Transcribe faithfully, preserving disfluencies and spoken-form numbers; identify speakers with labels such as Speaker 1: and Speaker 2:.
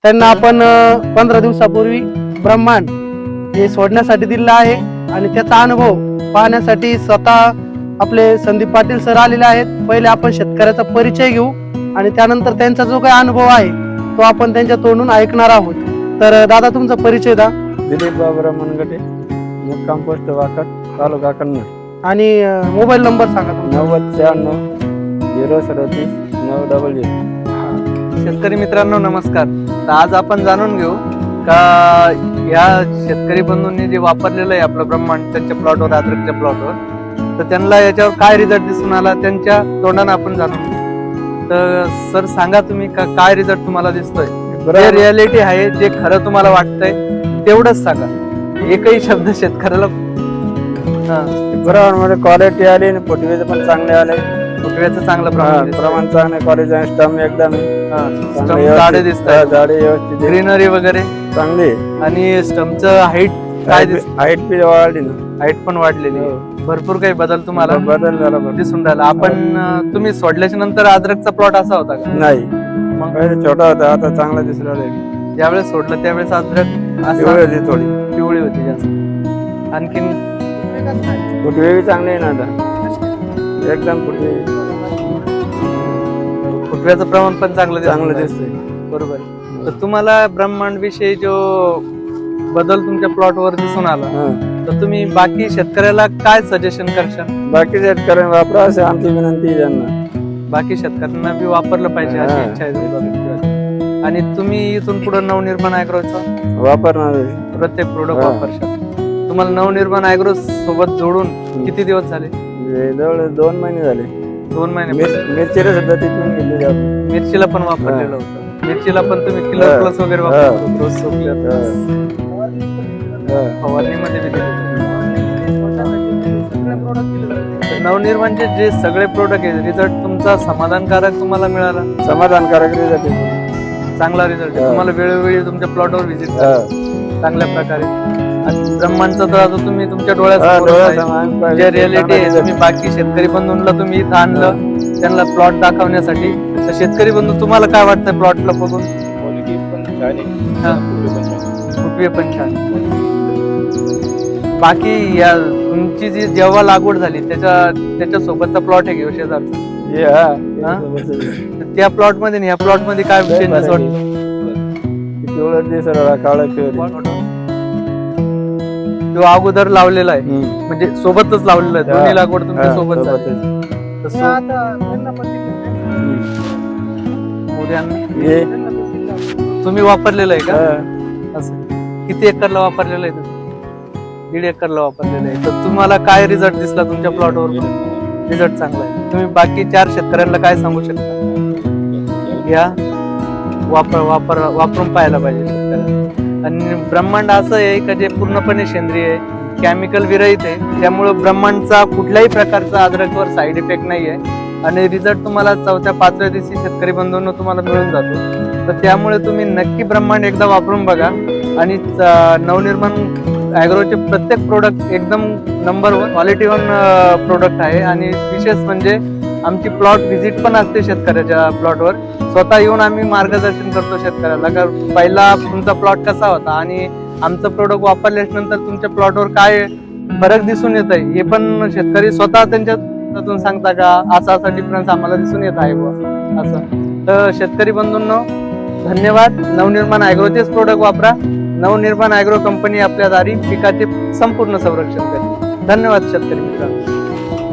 Speaker 1: त्यांना आपण पंधरा दिवसापूर्वी ब्रह्मांड हे सोडण्यासाठी दिलेलं आहे आणि त्याचा अनुभव पाहण्यासाठी स्वतः आपले संदीप पाटील सर आलेले आहेत. पहिले आपण शेतकऱ्याचा परिचय घेऊ आणि त्यानंतर त्यांचा जो काही अनुभव आहे तो आपण त्यांच्या तोंडून ऐकणार आहोत. तर दादा तुमचा परिचय द्या.
Speaker 2: दिलीप बाबूराव मनगटे, मुक्काम पोस्ट वाकड, तालुका कन्नड.
Speaker 1: आणि मोबाईल नंबर सांगा तुमचा.
Speaker 2: नव्वद शहाण्णव झिरो सदतीस नऊ डबल झिरो.
Speaker 3: शेतकरी मित्रांनो नमस्कार. तर आज आपण जाणून घेऊ का या शेतकरी बंधूंनी जे वापरलेलं आहे आपलं ब्रह्मांड त्यांच्या प्लॉटवर, अद्रकच्या प्लॉटवर, तर त्यांना याच्यावर काय रिझल्ट दिसून आला त्यांच्या तोंडानं आपण जाणून घेऊ. तर सर सांगा तुम्ही का काय रिझल्ट तुम्हाला दिसतोय, जे रियालिटी आहे, जे खरं तुम्हाला वाटतंय तेवढंच सांगा. एकही शब्द शेतकऱ्याला
Speaker 2: बरोबर मध्ये क्वालिटी आली आणि फुटवेचे पण चांगले आले.
Speaker 3: फुटव्याचं चांगलं प्रमाण
Speaker 2: प्रमाण चांगले, क्वालिटी स्टम एकदम
Speaker 3: झाडे दिसतात,
Speaker 2: झाडे व्यवस्थित,
Speaker 3: ग्रीनरी वगैरे
Speaker 2: चांगली.
Speaker 3: आणि स्टमचं हाईट काय दिसत,
Speaker 2: हाईट बी वाढली ना,
Speaker 3: हाईट पण वाढलेली आहे. भरपूर काही बदल तुम्हाला
Speaker 2: बदल झाला
Speaker 3: दिसून राहिला. आपण अं, तुम्ही सोडल्याच्या नंतर अद्रकचा प्लॉट असा होता का?
Speaker 2: नाही,
Speaker 3: मग
Speaker 2: पहिले छोटा होता, आता चांगला दिसू राहिला.
Speaker 3: ज्यावेळेस सोडलं त्यावेळेस अद्रक असं
Speaker 2: पिवळी होती, थोडी
Speaker 3: पिवळी होती जास्त. आणखीन
Speaker 2: फुटवे बी चांगले आहे ना आता, एकदम फुटवे
Speaker 3: फुटव्याचं प्रमाण पण चांगलं दिसून
Speaker 2: चांगलं
Speaker 3: राहिलं.
Speaker 2: दिसतंय.
Speaker 3: बरोबर. तर तुम्हाला ब्रह्मांड विषयी जो बदल तुमच्या प्लॉटवर दिसून आला,
Speaker 2: हा.
Speaker 3: तर तुम्ही बाकी शेतकऱ्याला काय सजेशन करशाल?
Speaker 2: बाकी शेतकऱ्यांनी वापरा असे आमची विनंती आहे त्यांना.
Speaker 3: बाकी शेतकऱ्यांना बी वापरलं पाहिजे अशी
Speaker 2: हा.
Speaker 3: इच्छा आहे तुमची. आणि तुम्ही इथून पुढे नवनिर्माण ॲग्रोचं
Speaker 2: वापरणार
Speaker 3: प्रत्येक प्रोडक्ट
Speaker 2: हा.
Speaker 3: वापरशाल. तुम्हाला नवनिर्माण ॲग्रो सोबत जोडून किती दिवस झाले?
Speaker 2: जवळ दोन महिने झाले.
Speaker 3: दोन महिने.
Speaker 2: मिर- मिरचीला सुद्धा तिथून घेतली जाते.
Speaker 3: मिरचीला पण वापरलेलं होतं. मिरचीला पण तुम्ही किलर
Speaker 2: हा.
Speaker 3: प्लस वगैरे
Speaker 2: हा.
Speaker 3: वापरतो, रोज सोपलेलं.
Speaker 2: हा.
Speaker 3: फवारणीमध्ये बी दिलेलं. तर नवनिर्माणचे जे सगळे प्रोडक्ट आहेत, रिझल्ट तुमचा समाधानकारक तुम्हाला मिळाला?
Speaker 2: समाधानकारक रिझल्ट आहे.
Speaker 3: चांगला रिझल्ट आहे.
Speaker 2: हा.
Speaker 3: तुम्हाला वेळोवेळी तुमच्या प्लॉटवर व्हिजिट
Speaker 2: हा.
Speaker 3: चांगल्या प्रकारे. आणि ब्रह्मांडचं तर आता तुम्ही तुमच्या
Speaker 2: हा,
Speaker 3: डोळ्यासमोर
Speaker 2: डोळ्यासमोर आम्ही पाहिलं.
Speaker 3: जे रियालिटी आहे,
Speaker 2: चांगला
Speaker 3: तुम्ही बाकी शेतकरी बंधूंना तुम्ही इथं आणलं त्यांना प्लॉट दाखवण्यासाठी. तर शेतकरी बंधू तुम्हाला काय वाटतं प्लॉटला बघून?
Speaker 2: क्वालिटी पण छान आहे,
Speaker 3: हा.
Speaker 2: फुटवे पण छान आहे.
Speaker 3: फुटवे पण छान. बाकी या तुमची जी जेव्हा लागवड झाली त्याच्या त्याच्या सोबतचा प्लॉट आहे घेऊ शेजारचा,
Speaker 2: हे हा,
Speaker 3: हा?
Speaker 2: त्याच्यासोबतच.
Speaker 3: तर त्या प्लॉट मध्ये आणि या प्लॉट मध्ये काय
Speaker 2: लय
Speaker 3: चेंजेस
Speaker 2: फरक
Speaker 3: वाटतो?
Speaker 2: आहे. पिवळं दिसत राहिला, काळं पिवळं.
Speaker 3: जो अगोदर लावलेला आहे
Speaker 2: हम्म.
Speaker 3: म्हणजे सोबतच लावलेला आहे,
Speaker 2: हा.
Speaker 3: दोन्ही लागवड तुमच्या
Speaker 2: हा,
Speaker 3: सोबत झाली.
Speaker 2: सोबतच.
Speaker 3: तसं उद्यानं
Speaker 2: हे,
Speaker 3: तुम्ही वापरलेलं आहे का?
Speaker 2: हा.
Speaker 3: असं किती एकरला वापरलेलं आहे तुम्ही? दीड एकरला वापरलेलं आहे. तर तुम्हाला काय रिझल्ट दिसला तुमच्या प्लॉटवर? रिझल्ट चांगला आहे. तुम्ही बाकी चार शेतकऱ्यांना काय सांगू शकता? घ्या, वापर वापर वापरून पाहायला पाहिजे शेतकऱ्यांना. आणि ब्रह्मांड असं आहे का जे पूर्णपणे सेंद्रिय आहे, केमिकल विरहित आहे, त्यामुळं ब्रह्मांडचा कुठल्याही प्रकारचा अद्रकवर साईड इफेक्ट नाही आहे. आणि रिझल्ट तुम्हाला चौथ्या पाचव्या दिवशी शेतकरी बंधूंना तुम्हाला मिळून जातो. तर त्यामुळे तुम्ही नक्की ब्रह्मांड एकदा वापरून बघा. आणि नवनिर्माण ॲग्रोचे प्रत्येक प्रोडक्ट एकदम number one quality one product आहे. आणि विशेष म्हणजे आमची प्लॉट व्हिजिट पण असते शेतकऱ्याच्या प्लॉटवर. स्वतः येऊन आम्ही मार्गदर्शन करतो शेतकऱ्याला का पहिला तुमचा प्लॉट कसा होता आणि आमचं प्रोडक्ट वापरल्याच्या नंतर तुमच्या प्लॉटवर काय फरक दिसून येत आहे हे पण शेतकरी स्वतः त्यांच्यातून सांगता का असा असा डिफरन्स आम्हाला दिसून येत आहे बुवा असं. तर शेतकरी बंधूंनो धन्यवाद. नवनिर्माण ॲग्रोचेच प्रोडक्ट वापरा. नवनिर्माण ॲग्रो कंपनी आपल्या दारी पिकाचे संपूर्ण संरक्षण करेल. धन्यवाद शेतकरी मित्रांनो.